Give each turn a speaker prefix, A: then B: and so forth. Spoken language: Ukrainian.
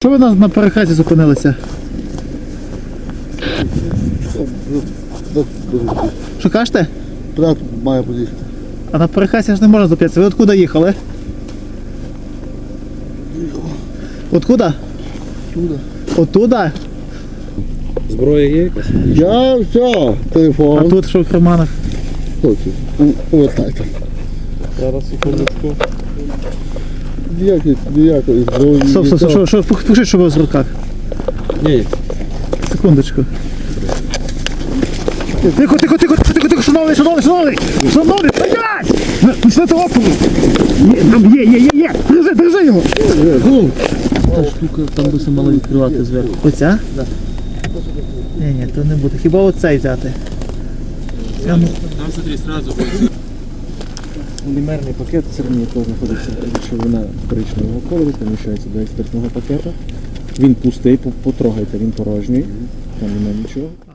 A: Що ви на перехресті зупинилися? Що кажете?
B: Брат має поїхати.
A: А на перехресті ж не можна зупинитися. Ви откуда їхали? Откуда?
B: Туди.
A: Оттуда?
C: Зброя є якась?
B: Я все,
A: А
B: телефон.
A: тут що в карманах?
B: Хлопці, повертайте.
C: Зараз секундочку.
B: Ніякої зброї.
A: Стоп, що, покажіть, що у вас в руках.
C: Ні,
A: Секундочку. Тихо, шановний, стоять! Пішли опору! Є! Держи його!
C: та штука там би се мала відкривати зверху.
A: Оця? Так. Ні, то не буде. Хіба оцей взяти?
C: Там смотри, сразу. Полімерний пакет середній, який знаходиться речовина коричневого кольору, поміщається до експертного пакета. Він пустий, потрогайте, він порожній, там немає нічого.